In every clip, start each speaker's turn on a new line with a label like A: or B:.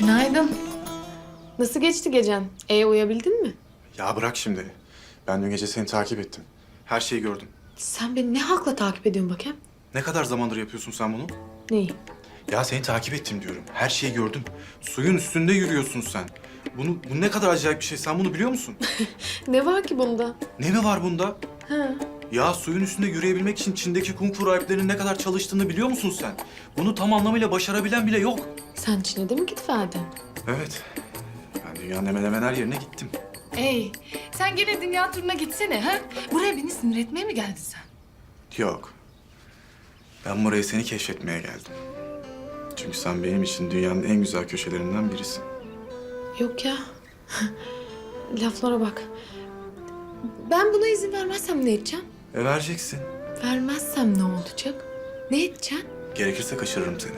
A: Günaydın. Nasıl geçti gecen? Uyuyabildin mi?
B: Ya bırak şimdi. Ben dün gece seni takip ettim. Her şeyi gördüm.
A: Sen beni ne hakla takip ediyorsun bakayım?
B: Ne kadar zamandır yapıyorsun sen bunu?
A: Neyi?
B: Ya seni takip ettim diyorum. Her şeyi gördüm. Suyun üstünde yürüyorsun sen. Bu ne kadar acayip bir şey. Sen bunu biliyor musun?
A: Ne var ki bunda?
B: Ne mi var bunda?
A: Ha.
B: Ya suyun üstünde yürüyebilmek için Çin'deki kung fu rahiplerinin ne kadar çalıştığını biliyor musun sen? Bunu tam anlamıyla başarabilen bile yok.
A: Sen Çin'e de mi git verdin?
B: Evet. Ben dünyanın hemen hemen her yerine gittim.
C: Sen gene dünya turuna gitsene ha? Buraya beni sinir etmeye mi geldin sen?
B: Yok. Ben buraya seni keşfetmeye geldim. Çünkü sen benim için dünyanın en güzel köşelerinden birisin.
A: Yok ya. Laflara bak. Ben buna izin vermezsem ne edeceğim?
B: Vereceksin.
A: Vermezsem ne olacak? Ne edeceksin?
B: Gerekirse kaçırırım seni.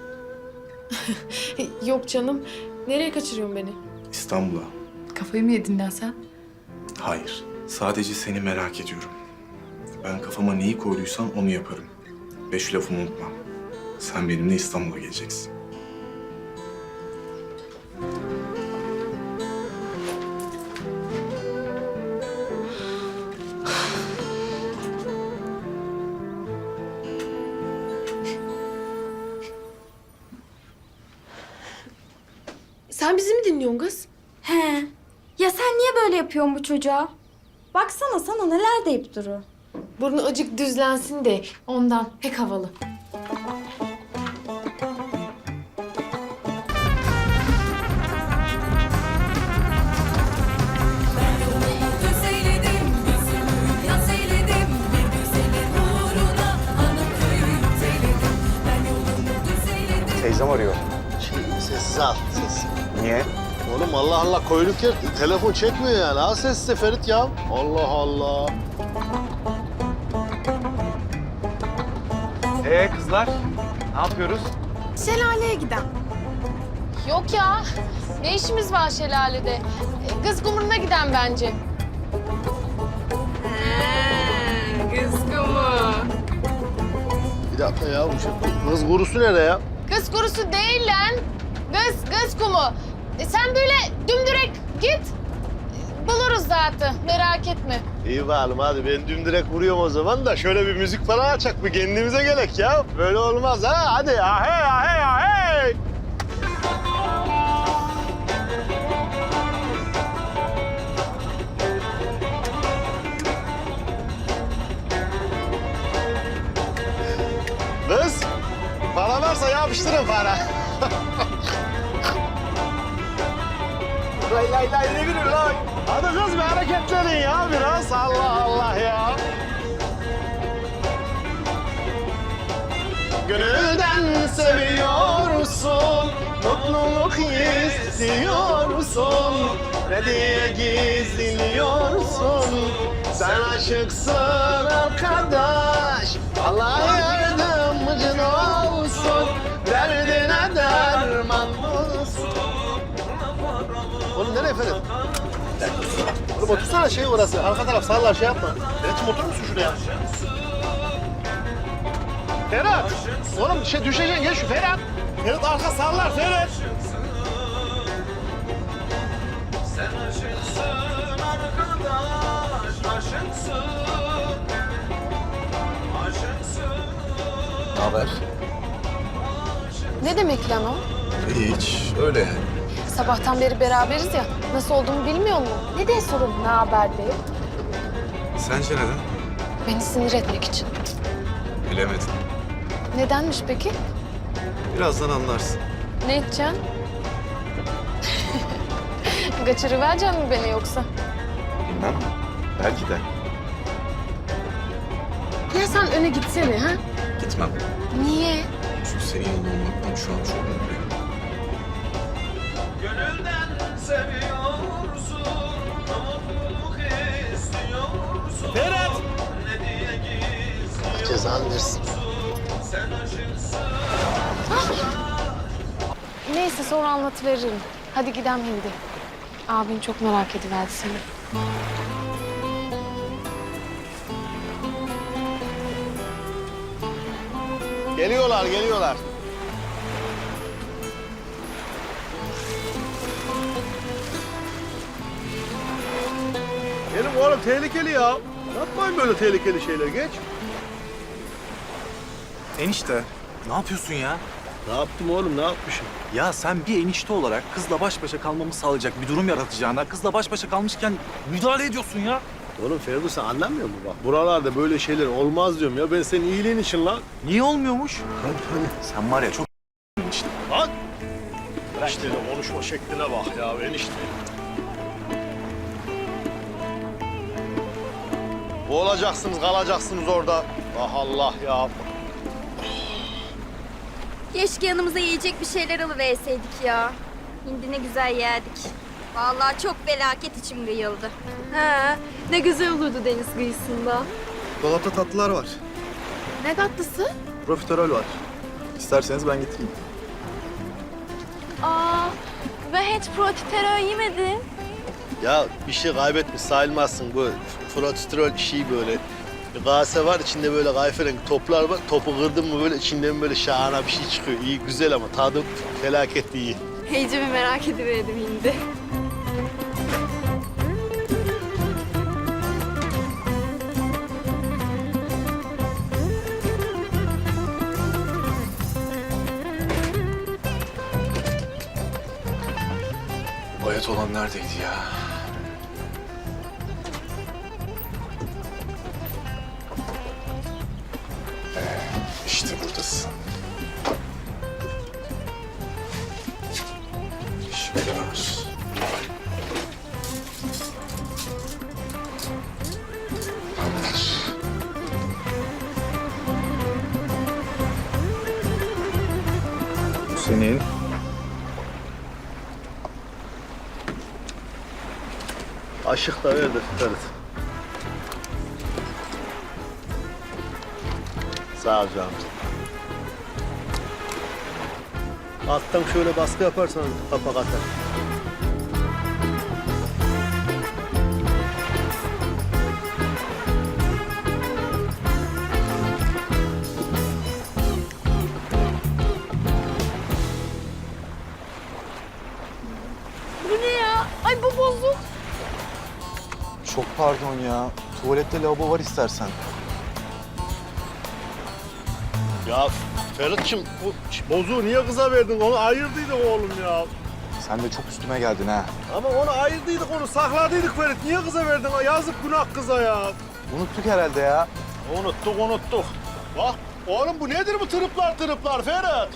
A: Yok canım. Nereye kaçırıyorsun beni?
B: İstanbul'a.
C: Kafayı mı yedin lan sen?
B: Hayır. Sadece seni merak ediyorum. Ben kafama neyi koyduysam onu yaparım. Ve şu lafımı unutma. Sen benimle İstanbul'a geleceksin.
A: Sen bizi mi dinliyorsun kız?
D: He. Ya sen niye böyle yapıyorsun bu çocuğa? Baksana sana neler deyip duru.
A: Burnu acık düzlensin de ondan pek havalı.
E: Düzeyledim, yüzümü yaz eyledim. Bir güzelin uğruna hanım köyü yükseyledim. Ben yolumu düzeyledim.
F: Teyzem arıyor.
G: Sessiz al, sessiz.
F: Niye?
G: Oğlum Allah Allah koyduk ya, telefon çekmiyor yani. Al sessiz Ferit ya. Allah Allah.
F: Kızlar, ne yapıyoruz?
A: Şelaleye giden.
H: Yok ya. Ne işimiz var şelalede? Kız kumruna giden bence.
G: Bir dakika ya, bu şey, kız kurusu nerede ya?
H: Kız kurusu değil lan. Kız kumu. Sen böyle dümdürek git. Buluruz zaten. Merak etme.
G: İyi bakalım hadi ben dümdürek vuruyorum o zaman da şöyle bir müzik falan açak bir kendimize gelek ya. Böyle olmaz ha, hadi ahey ahey ahey. Kız, para varsa yapıştırın para. Lay lay lay ne gülüyor lan? Hadi kız bir hareketlenin ya biraz. Allah Allah ya. Gönülden seviyorsun, mutluluk istiyorsun. Ne diye gizliyorsun? Sen aşıksın arkadaş. Allah yardımcın olsun. Derdine derman bulsun. Oğlum nereye Ferit? Oğlum otursana şey orası. Arka taraf sağlar şey yapma. Ferit'im oturur musun şuraya? Ferhat! Oğlum şey düşeceksin gel şu Ferhat. Ferit arka sağlar Ferit.
B: Ne haber?
H: Ne demek lan o?
B: Hiç. Öyle yani.
H: Sabahtan beri beraberiz ya. Nasıl olduğumu bilmiyor musun? Ne diye sorun ne haber diye.
B: Sence neden?
H: Beni sinir etmek için.
B: Bilemedim.
H: Nedenmiş peki?
B: Birazdan anlarsın.
H: Ne edeceksin? Kaçırıvereceksin mi beni yoksa?
B: Bilmem. Belki de.
H: Ya sen öne gitsene ha?
B: Gitmem.
H: Niye?
B: Çünkü senin yanında olmaktan şu an çok mutluyum.
G: Ferhat! Cezanı versin.
H: Neyse sonra anlatıveririm. Hadi gidelim şimdi. Abin çok merak ediverdi seni.
G: Geliyorlar, geliyorlar. Benim oğlum tehlikeli ya. Yapmayın böyle tehlikeli şeyler, geç.
I: Enişte, ne yapıyorsun ya?
G: Ne yaptım oğlum, ne yapmışım?
I: Ya sen bir enişte olarak kızla baş başa kalmamı sağlayacak bir durum yaratacağına kızla baş başa kalmışken müdahale ediyorsun ya.
G: Oğlum Ferdi sen anlamıyor musun bak? Buralarda böyle şeyler olmaz diyorum ya. Ben senin iyiliğin için lan.
I: Niye olmuyormuş?
G: Hadi.
I: Sen var ya çok enişte.
G: Lan! Enişteyle konuşma şekline bak ya enişte. Boğulacaksınız, kalacaksınız orada. Ah Allah ya.
D: Keşke yanımıza yiyecek bir şeyler alıverseydik ya. Hindi ne güzel yerdik. Vallahi çok felaket içim kıyıldı.
A: He, ne güzel olurdu deniz kıyısında.
I: Dolapta tatlılar var.
A: Ne tatlısı?
I: Profiterol var. İsterseniz ben getireyim.
A: Aa, ben hiç profiterol yemedim.
G: Ya bir şey kaybetmiş sayılmazsın. Bu frotiterol şey böyle. Bir kase var, içinde böyle kayferengi toplar var. Topu kırdın mı böyle içinden böyle şahane bir şey çıkıyor. İyi, güzel ama tadı felaket iyi.
A: Heyce bir merak ediverdim hindi.
B: Bayat olan neredeydi ya? İşte buradasın. Şöyle var. Tamamdır.
I: Bu senin.
G: Aşık da ver de tutarız. Sağ ol canım. Alttan şöyle baskı yaparsan kapak atar.
A: Bu ne ya? Ay bu bozuk.
I: Çok pardon ya. Tuvalette lavabo var istersen.
G: Ya Ferit'ciğim bu bozuğu niye kıza verdin? Onu ayırdıydık oğlum ya.
I: Sen de çok üstüme geldin ha.
G: Ama onu ayırdıydık, onu sakladıydık Ferit. Niye kıza verdin? Yazık günah kıza ya.
I: Unuttuk herhalde ya.
G: Unuttuk. Bak oğlum bu nedir bu tırıplar Ferit?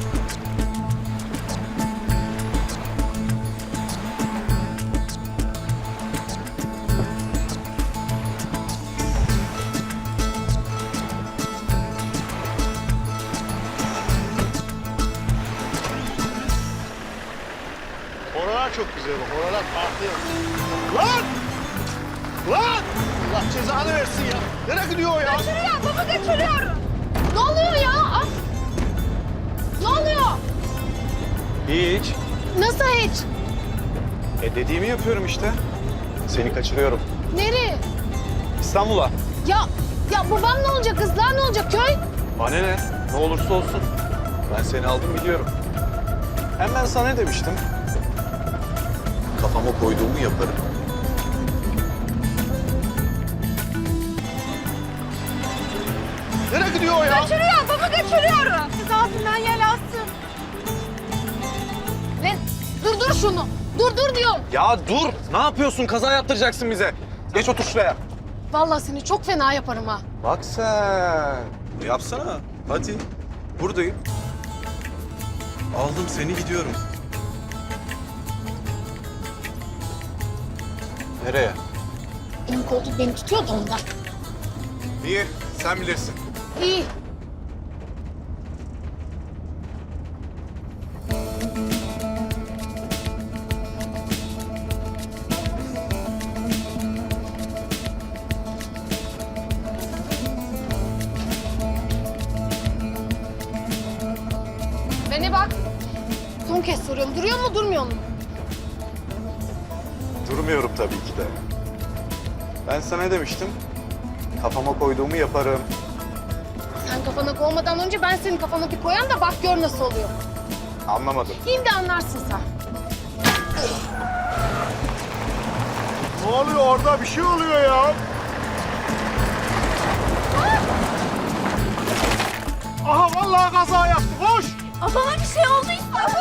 G: Oralar çok güzel bak, oralar farklı. Lan! Allah cezanı versin ya. Nereye gidiyor o ya?
H: Kaçırıyor, baba kaçırıyor. Ne oluyor ya? Ah! Ne oluyor?
I: Hiç.
H: Nasıl hiç?
I: Dediğimi yapıyorum işte. Seni kaçırıyorum.
H: Nereye?
I: İstanbul'a.
H: Ya babam ne olacak, kızlar ne olacak, köy?
I: Bana ne? Ne olursa olsun. Ben seni aldım biliyorum. Hem ben sana ne demiştim? Kafama koyduğumu yaparım.
G: Nereye gidiyor o ya?
H: Kaçırıyor, baba kaçırıyor. Kız ağzından yel alsın. Lan dur şunu. Dur diyorum.
I: Ya dur! Ne yapıyorsun? Kaza yaptıracaksın bize. Geç otur şuraya.
H: Vallahi seni çok fena yaparım ha.
I: Bak sen. Yapsana. Hadi. Buradayım. Aldım seni gidiyorum. Nereye?
H: Benim koltuk beni tutuyor da ondan.
I: İyi. Sen bilirsin.
H: İyi. Beni bak. Son kez soruyorum. Duruyor mu, durmuyor mu?
I: Durmuyorum tabii ki de. Ben sana ne demiştim? Kafama koyduğumu yaparım.
H: Sen kafana koymadan önce ben senin kafana bir koyan da bak gör nasıl oluyor.
I: Anlamadım.
H: Şimdi anlarsın sen.
G: Ne oluyor orada? Bir şey oluyor ya. Aha vallahi kaza yaptı. Koş.
D: Bana bir şey olduysa.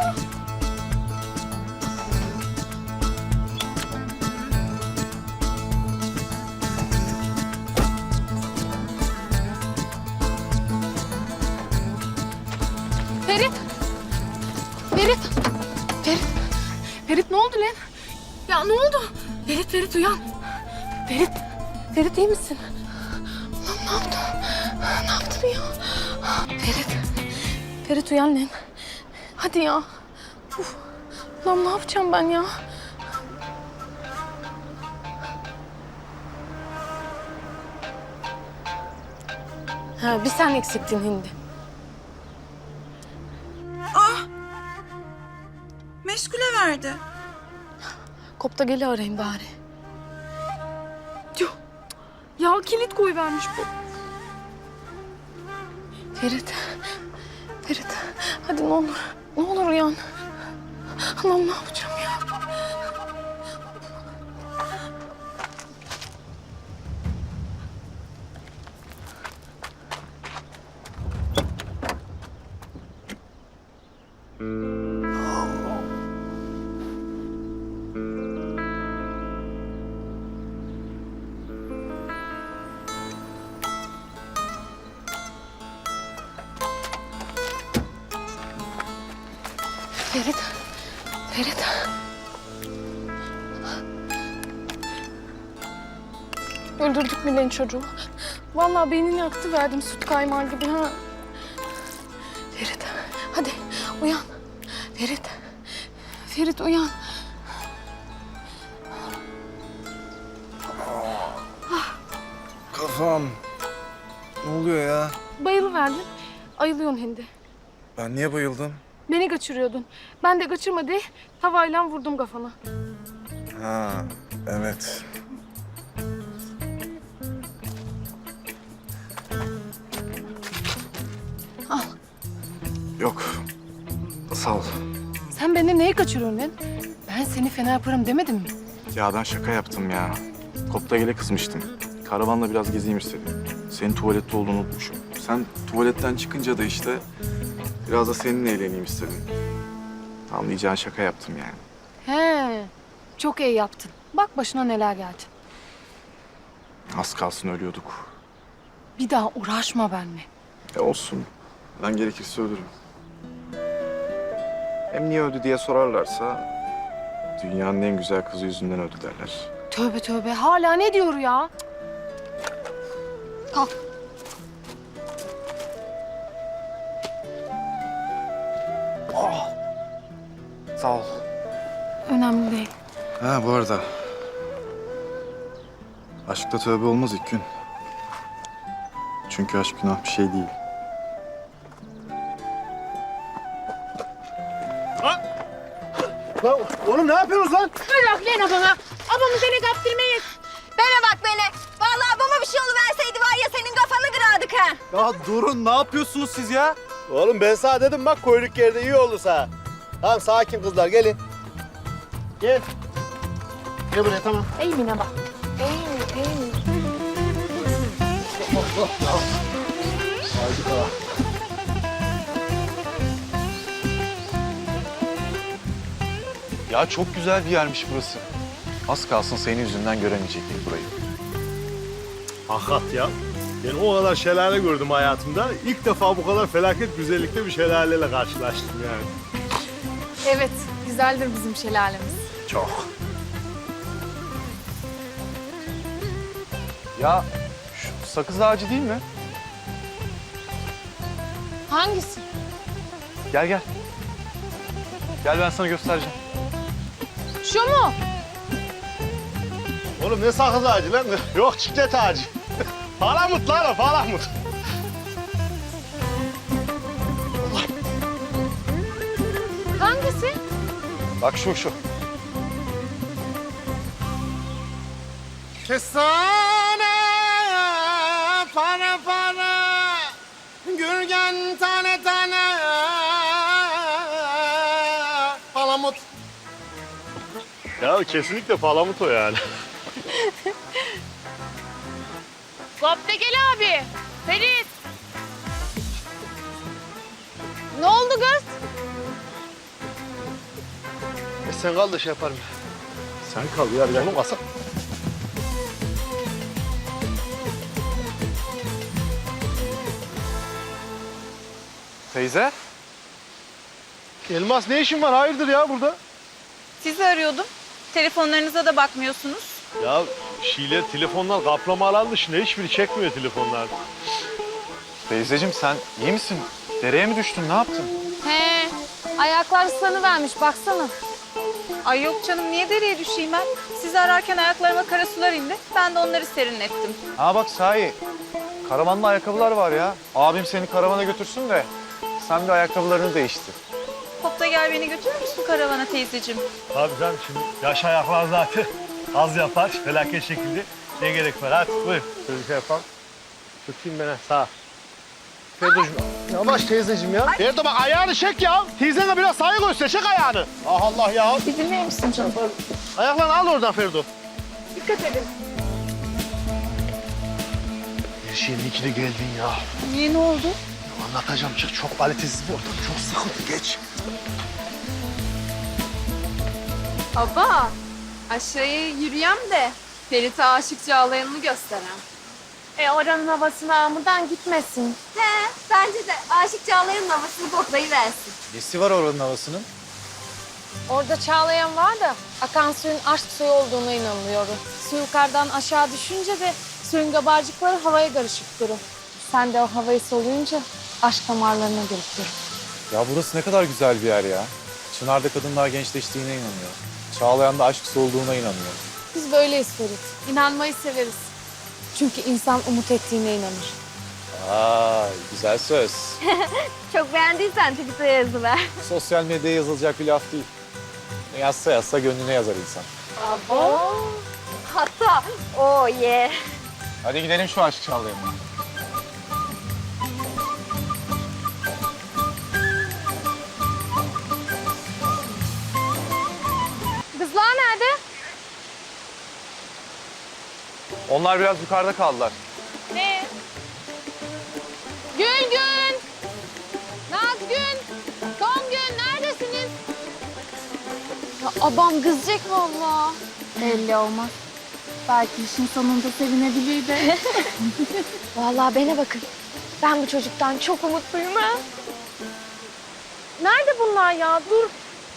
H: Ferit. Ferit. Ferit. Ferit ne oldu lan? Ya ne oldu? Ferit uyan. Ferit iyi misin? Lan ne yaptın? Ne yaptın ya? Ferit uyan lan. Hadi ya. Uf. Lan ne yapacağım ben ya? Ha, bir sen eksiktin Hindi.
J: Meşgule verdi.
H: Kopta geli arayayım bari. Yuh. Ya kilit koyuvermiş bu. Ferit. Hadi ne olur. Ne olur uyan. Allah'ım ne yapacağım ya? Ferit. Öldürdük mü lan çocuğu? Vallahi beynini yaktı verdim süt kaymağı gibi ha. Ferit, hadi uyan. Ferit uyan.
B: Kafam. Ne oluyor ya?
H: Bayılıverdin. Ayılıyorsun Hindi.
B: Ben niye bayıldım?
H: Beni kaçırıyordun. Ben de kaçırma diye tavayla vurdum kafana.
B: Ha, evet.
H: Al.
B: Yok. Sağ ol.
H: Sen benden neyi kaçırıyorsun lan? Ben seni fena yaparım demedim mi?
B: Ya ben şaka yaptım ya. Koptagele kızmıştım. Karavanla biraz gezeyim istedim. Senin tuvalette olduğunu unutmuşum. Sen tuvaletten çıkınca da işte biraz da seninle eğleneyim istedim. Anlayacağın şaka yaptım yani.
H: He, çok iyi yaptın. Bak başına neler geldi.
B: Az kalsın ölüyorduk.
H: Bir daha uğraşma benimle.
B: Olsun. Ben gerekirse ölürüm. Hem niye öldü diye sorarlarsa dünyanın en güzel kızı yüzünden öldü derler.
H: Tövbe hala ne diyor ya? Kalk.
B: Sağ ol.
H: Önemli değil.
B: Ha bu arada. Aşkta tövbe olmaz ilk gün. Çünkü aşk günah bir şey değil.
G: Lan oğlum ne yapıyorsunuz lan?
H: Bırak lan bana. Abamı seni kaptırmayız.
D: Bana bak beni. Vallahi bana bir şey oluverseydi var ya senin kafanı kırardık ha.
I: Ya durun, ne yapıyorsunuz siz ya?
G: Oğlum ben sana dedim bak koyduk yerde iyi oldu sana. Tamam sakin kızlar gelin. Gel. Gel buraya tamam.
H: Eğmine bak.
I: Ya çok güzel bir yermiş burası. Az kalsın senin yüzünden göremeyecektik burayı.
G: Hakikat ya. Ben o kadar şelale gördüm hayatımda. İlk defa bu kadar felaket güzellikte bir şelaleyle karşılaştım yani.
A: Evet, güzeldir bizim şelalemiz.
G: Çok.
I: Ya şu sakız ağacı değil mi?
H: Hangisi?
I: Gel gel. Gel ben sana göstereceğim.
H: Şu mu?
G: Oğlum ne sakız ağacı lan? Yok çiklet ağacı. Palamut lan o palamut.
H: Hangisi?
I: Bak şu.
G: Kestane para para Gürgen tane tane Palamut. Ya Ya kesinlikle palamut o yani.
H: Koptegel abi. Ferit. Ne oldu kız?
G: Sen kal da şey yaparım. Sen kal ya, bir yanım kalsa.
B: Teyze?
G: Elmas ne işin var? Hayırdır ya burada?
J: Sizi arıyordum. Telefonlarınıza da bakmıyorsunuz.
G: Ya şeyler, telefonlar kaplama alan dışında hiçbiri çekmiyor telefonlar.
I: Teyzeciğim sen iyi misin? Dereye mi düştün? Ne yaptın?
H: He. Ayaklar ıslanıvermiş baksana.
J: Ay yok canım, niye dereye düşeyim ben? Sizi ararken ayaklarıma kara sular indi. Ben de onları serinlettim.
I: Ha bak sahi. Karavanlı ayakkabılar var ya. Abim seni karavana götürsün de sen de ayakkabılarını değiştir.
J: Kopta gel, beni götürür müsün karavana teyzeciğim?
G: Tabii canım, şimdi yaş ayaklar zaten az yapar, felaket şekilde. Ne gerek var? Hadi buyur. Şöyle şey yapalım. Tutayım ben, sağ ol. Ferdocuğum. Yavaş teyzeciğim ya. Ferdo bak ayağını çek ya. Teyzene biraz saygı göster. Çek ayağını. Ah Allah ya.
J: Bir dinler misin canım?
G: Ayaklarını al oradan Ferdo.
J: Dikkat edin.
G: Her şeyin ikili geldin ya.
J: Niye, ne oldu?
G: Anlatacağım, çık. Çok kalitesiz bir ortam. Çok sıkıntı. Geç.
A: Baba, aşağıya yürüyem de Ferit'e aşık Çağlayan'ını gösterem.
H: Oranın havasına amıdan gitmesin.
D: He, bence de Aşık Çağlayan'ın havasını koklayıversin.
I: Nesi var oranın havasının?
H: Orada Çağlayan var da akan suyun aşk suyu olduğuna inanıyorum. Su yukarıdan aşağı düşünce de suyun kabarcıkları havaya karışıp durur. Sen de o havayı soluyunca aşk damarlarına girip durur.
I: Ya burası ne kadar güzel bir yer ya. Çınar'da kadınlar gençleştiğine inanıyor. Çağlayan'da aşk olduğuna inanıyor.
H: Biz böyleyiz Ferit. İnanmayı severiz. Çünkü insan umut ettiğine inanır.
I: Vay güzel söz.
D: Çok beğendiysen Twitter'a yazıver.
I: Sosyal medyaya yazılacak bir laf değil. Ne yazsa yazsa gönlüne yazar insan.
D: Hatta oh yeah.
I: Hadi gidelim şu aşk Çağlayan'a.
H: Kızlar nerede?
I: Onlar biraz yukarıda kaldılar.
H: Ne? Gülgün! Nazgün! Songül neredesiniz? Ya abam kızacak vallahi.
D: Belli olmaz. Belki işin sonunda sevinebilir de.
H: Vallahi bana bakın. Ben bu çocuktan çok umutluyum ha. Nerede bunlar ya? Dur.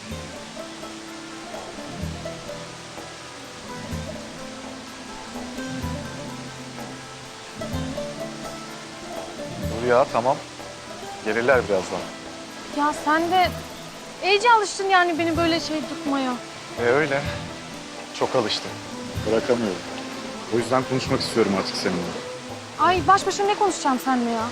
I: Dur ya tamam. Gelirler birazdan.
H: Ya sen de iyice alıştın yani beni böyle şey tutmaya.
B: Öyle. Çok alıştım. Bırakamıyorum. O yüzden konuşmak istiyorum artık seninle.
H: Ay baş başa ne konuşacağım seninle ya?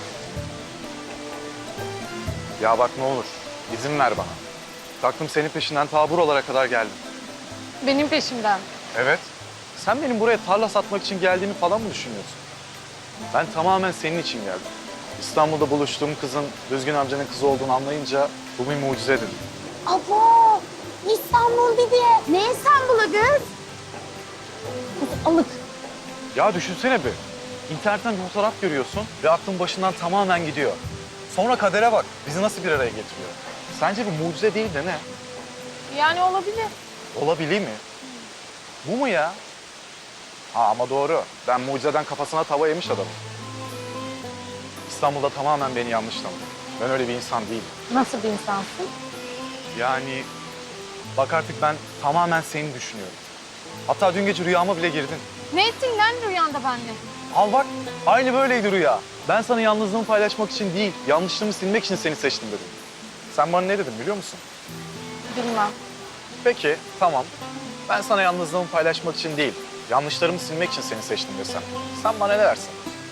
I: Ya bak ne olur izin ver bana. Taktım senin peşinden ta buralara kadar geldim.
H: Benim peşimden.
I: Evet. Sen benim buraya tarla satmak için geldiğimi falan mı düşünüyorsun? Ben tamamen senin için geldim. İstanbul'da buluştuğum kızın Düzgün amcanın kızı olduğunu anlayınca bu bir mucize dedim.
D: Abo! İstanbul dedi. Ne İstanbul'u kız?
H: Alık.
I: Ya düşünsene bir. İnternetten bir fotoğraf görüyorsun ve aklın başından tamamen gidiyor. Sonra kadere bak. Bizi nasıl bir araya getiriyor? Sence bu mucize değil de ne?
H: Yani olabilir.
I: Olabilir mi? Bu mu ya? Ha ama doğru. Ben mucizeden kafasına tava yemiş adamım. İstanbul'da tamamen beni yanlış tanıdı. Ben öyle bir insan değilim.
H: Nasıl bir insansın?
I: Yani bak artık ben tamamen seni düşünüyorum. Hatta dün gece rüyama bile girdin.
H: Ne ettin lan rüyanda benimle?
I: Al bak aynı böyleydi rüya. Ben sana yalnızlığımı paylaşmak için değil, yanlışlığımı silmek için seni seçtim dedim. Sen bana ne dedin biliyor musun?
H: Bilmem.
I: Peki tamam. Ben sana yalnızlığımı paylaşmak için değil, yanlışlarımı silmek için seni seçtim desem. Sen bana ne dersin?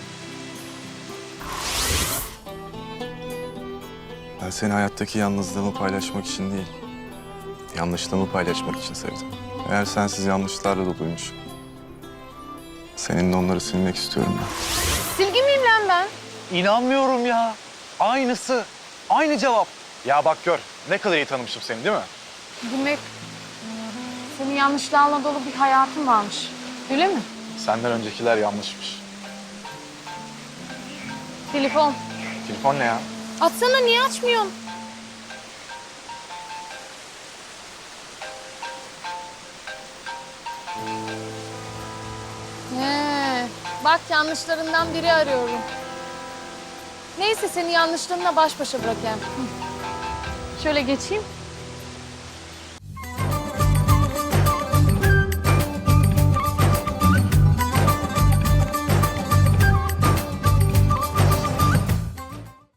B: Ben seni hayattaki yalnızlığımı paylaşmak için değil, yanlışlığımı paylaşmak için sevdim. Eğer sensiz yanlışlarla doluymuş, seninle onları silmek istiyorum ben.
H: Silgi miyim lan ben?
I: İnanmıyorum ya. Aynısı. Aynı cevap. Ya bak gör. Ne kadar iyi tanımışım seni değil mi?
H: Demek Senin yanlışlarla dolu bir hayatın varmış. Öyle mi?
I: Senden öncekiler yanlışmış.
H: Telefon.
I: Telefon ne ya?
H: Açsana, niye açmıyorsun? Bak yanlışlarından biri arıyorum. Neyse seni yanlışlarınla baş başa bırakayım. Şöyle geçeyim.